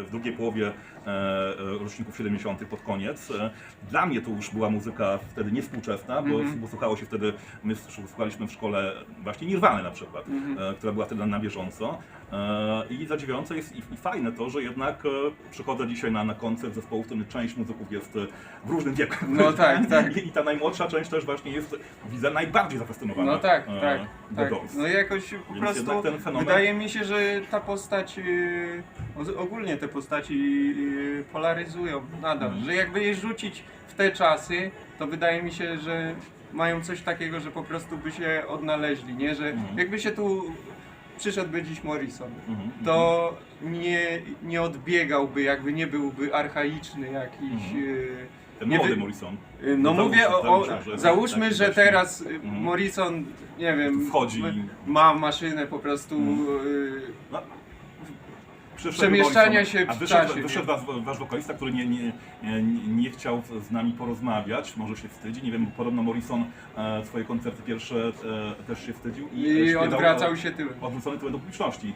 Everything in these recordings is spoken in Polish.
w drugiej połowie roczników 70. pod koniec. Dla mnie to już była muzyka wtedy niewspółczesna, bo słuchało się wtedy, my słuchaliśmy w szkole właśnie Nirwany na przykład, która była wtedy na bieżąco. I zadziwiające jest i fajne to, że jednak przychodzę dzisiaj na koncert zespołu, w którym część muzyków jest w różnym wieku. No tak, tak. I ta najmłodsza część też właśnie jest, widzę, najbardziej zafascynowana. No tak, tak, The tak. Doors. No jakoś po Więc prostu jednak ten fenomen... wydaje mi się, że ta postać, ogólnie te postaci polaryzują nadal, że jakby je rzucić w te czasy, to wydaje mi się, że mają coś takiego, że po prostu by się odnaleźli, nie? Że jakby się tu przyszedłby dziś Morrison, to nie odbiegałby, jakby nie byłby archaiczny jakiś... Ten nie młody wy- Morrison. No mówię załóżmy, taki że właśnie- teraz Morrison, nie wiem, Wchodzi. ma maszynę po prostu No, przyszedł przemieszczania Morrison, się a w wyszedł, czasie. wyszedł wasz wokalista, który nie chciał z nami porozmawiać, może się wstydzi, nie wiem, podobno Morrison swoje koncerty pierwsze też się wstydził I śpiewał, odwracał się tyłem. odwrócony tyłem do publiczności.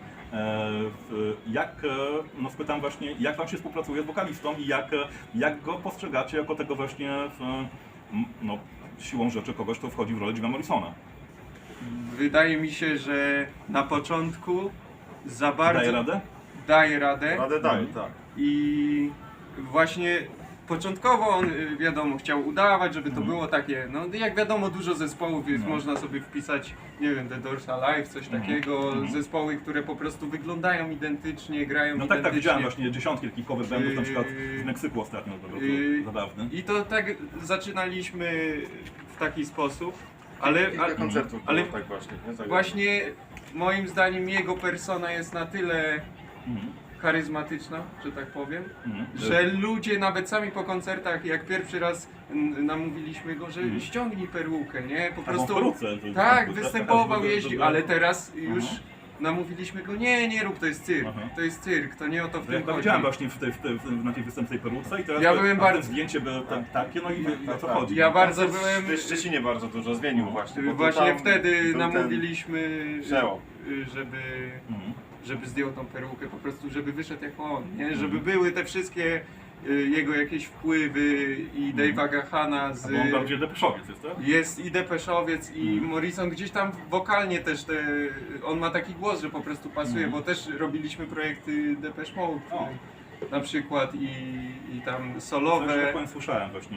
No spytam właśnie, jak wam się współpracuje z wokalistą i jak go postrzegacie jako tego właśnie, no, siłą rzeczy kogoś, kto wchodzi w rolę Jima Morrisona. Wydaje mi się, że na początku za bardzo Daje radę? daje radę Radę daje, tak. i właśnie początkowo on wiadomo chciał udawać, żeby to było takie, no jak wiadomo dużo zespołów jest, można sobie wpisać, nie wiem, The Doors Alive, coś takiego, zespoły, które po prostu wyglądają identycznie, grają No identycznie. tak, widziałem właśnie dziesiątki takich cover bandów, na przykład w Meksyku ostatnio, to był zabawny. I to tak zaczynaliśmy w taki sposób, ale Kilka koncertów ale było tak właśnie, nie? Tak właśnie moim zdaniem jego persona jest na tyle charyzmatyczna, że tak powiem, że ludzie nawet sami po koncertach, jak pierwszy raz namówiliśmy go, że ściągnij perukę, nie? Po prostu tak, występował, jeździł, ale teraz już namówiliśmy go, nie rób, to jest cyrk, to jest cyrk, to nie o to w tym Ja chodzi. widziałem właśnie na tej występnej peruce i teraz Ja byłem bardzo- zdjęcie było takie, no i o co chodzi. Ja bardzo W byłem, Szczecinie bardzo dużo zmienił właśnie. bo to właśnie tam wtedy był ten namówiliśmy, przełom. żeby zdjął tą perukę, po prostu żeby wyszedł jak on, nie? Żeby były te wszystkie jego jakieś wpływy i Dave'a Gahana z... Bo on bardziej depeszowiec jest, tak? Jest i Depeszowiec i Morrison gdzieś tam wokalnie też on ma taki głos, że po prostu pasuje, bo też robiliśmy projekty Depeche Mode O. na przykład i tam Coś solowe. tak powiem, słyszałem właśnie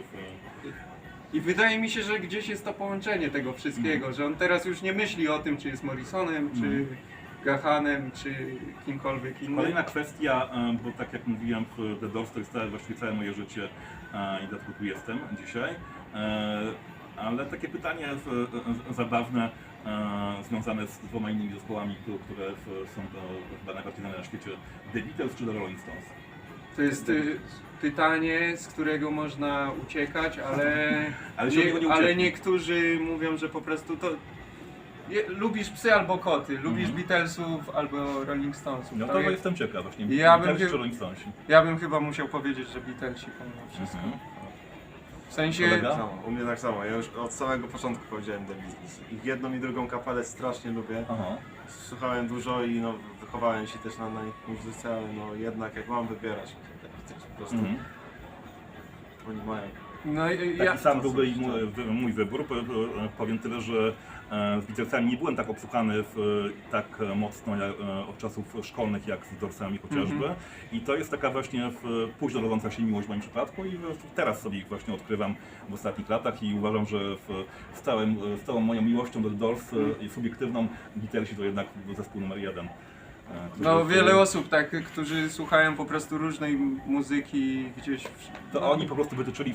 I wydaje mi się, że gdzieś jest to połączenie tego wszystkiego, że on teraz już nie myśli o tym, czy jest Morrisonem, czy Gahanem, czy kimkolwiek innym. Kolejna kwestia, bo tak jak mówiłem, w The Doors to jest właściwie całe moje życie i dlatego tu jestem dzisiaj. Ale takie pytanie zabawne, związane z dwoma innymi zespołami, które są chyba najbardziej znane na świecie. The Beatles czy The Rolling Stones? To jest pytanie, z którego można uciekać, Ale się od niego nie ucieknie. niektórzy mówią, że po prostu to... lubisz psy albo koty, lubisz Beatlesów albo Rolling Stonesów. No To to jest- jestem ciekaw właśnie. Ja Beatles bym- czy Rolling Stonesi? Ja bym chyba musiał powiedzieć, że Beatlesi pomimo wszystko. W sensie... Kolega? Tak samo, u mnie tak samo. Ja już od samego początku powiedziałem The Beatles. Ich jedną i drugą kapelę strasznie lubię. Aha. Słuchałem dużo i no, wychowałem się też na ich muzyce, ale no jednak jak mam wybierać, to The Beatles po prostu. Oni mają. No, Taki sam był i mój wybór. Powiem tyle, że z Beatlesami nie byłem tak obsłuchany tak mocno od czasów szkolnych jak z Doorsami chociażby. I to jest taka właśnie późno rodząca się miłość w moim przypadku i teraz sobie ich właśnie odkrywam w ostatnich latach i uważam, że z całą moją miłością do The Doors i subiektywną, Beatlesi to jednak zespół numer 1. No wiele osób tak, którzy słuchają po prostu różnej muzyki gdzieś... To oni po prostu wytyczyli